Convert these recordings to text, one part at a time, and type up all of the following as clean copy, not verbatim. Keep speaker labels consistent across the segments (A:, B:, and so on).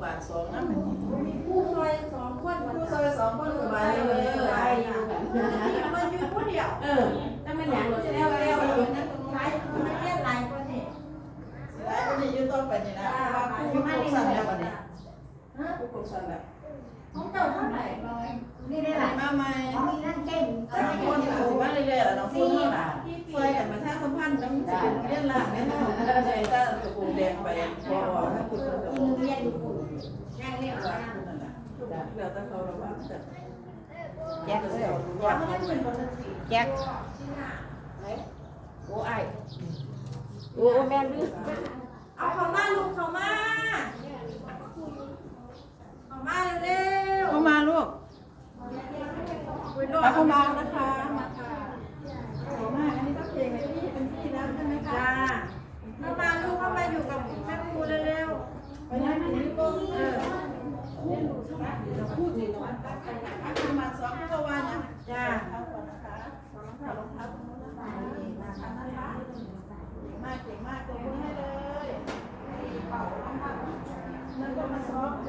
A: บาลสองนะมัน
B: ผู้ซอย2คนมัน
A: ผู้ซอยสองคนสบายเลยสบายอยู่กัน
B: มันอยู่ผู้เดียว
C: ถ้ามันอย่างรถแล้ว
B: หลายมันเรียนหลายคนนี่
A: หลายคนนี้อยู่ต้นไปนี่นะว่าผู้ปกครองแล้ววันนี้ผู้ปกครองแล้ว
B: ของเจ้าเท่าไหร่นี่ได้หลาย
A: มาใหม่
B: ของมีนั่นเก่ง
A: สามคนที่สิมาเรื่อยๆแล้วน้องพูดนี่ล่ะช่วยกันมาท่าสัมพันธ์น้ำจิตเรียนล่างเนี่ยนะใจถ้าตะปูแดงไปพอถ้าพูดก็จะ
B: กินเรียนอยู่นั่งเรียนว่า
A: นั่นแหละแล้วแต่เขาระวังแต่
C: แจ็ค
A: เดี๋ยวรู้ว่ามันเป็นคนที่
C: แจ็คโอ้ไอโอ้แม่ลืม
B: เอาเข้ามาลูกเข้ามาเร็ว
A: เข้ามาลูก เข้ามานะคะมาค่ะขอมาอันนี้ก็เพลงในที่เป็นที่แล้วใช่ไหมคะ
B: จ้าเข้ามาลูกเข้ามาอยู่กับแม่ครูเร็ว
A: ไปนั่งที่นี่ก็เดี๋ยวพูดสิหน่อยประมาณสองชั่วโมงนะ
B: ๆจ้า
A: เอาก่อนนะคะรองเท้ารองเท้าเก่งมากตัวให้เลยนั่นก็มาซ้อม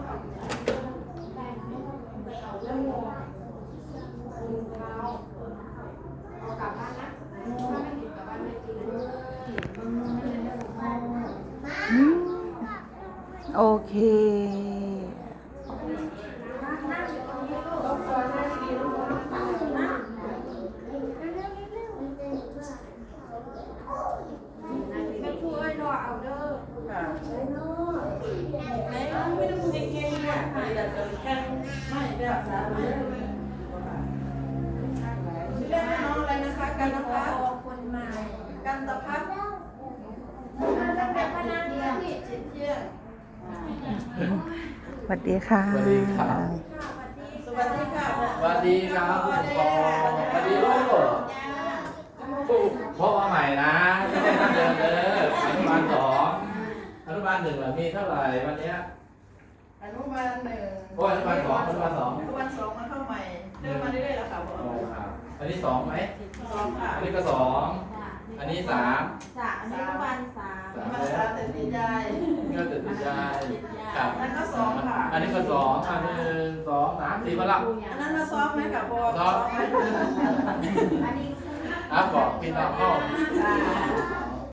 C: โอเค
B: แม่ครูเอ้ยรอเอาเด้อ
A: ค่ะไม่ต้องเก่งๆอ่ะอยากจะแค่ไม่ได้รักษาเลยเรียกน้องอะไรนะคะกันนะคะ
B: คนใหม่
A: กันตะพัด
B: แบบพนันเที่ยง
A: จิตเที่ยง
C: สวัสดีค่ะ
D: สวัสดีครับ
A: สวัสดีค่ะ
D: สวัสดีครับผู้ปกครองสวัสดีลูกพ่อมาใหม่นะไม่ใช่ท่านเดิมเลยอนุบาลสองอนุบาลหนึ่งมีเท่าไหร่วันเนี้ย
A: อนุบาลหนึ่ง
D: โอ้ยอนุบาลสองอนุบาลสอง
A: อนุบาลสองมาเข้าใหม่เดินมาเรื่อยๆแล้วค่ะพ่อ
D: โอ้ครับอันนี้สองไหม
A: สองค่ะ
D: อันนี้ก็สองอันนี้สาม
B: จ้าอันนี้วัน3
A: มาสาแต่ดีใจ
D: นี่ก็ตื่นใจครับ
A: นั่นก็สองค่ะ
D: อันนี้ก็สองอันนี้สองสามสี่มาละ
A: อันนั้นมาซ้อมไหมค่ะพ่อ
D: ซ้อม
B: อันนี้
D: อ่ะบอกพี่น้องเข้า
A: ค่ะ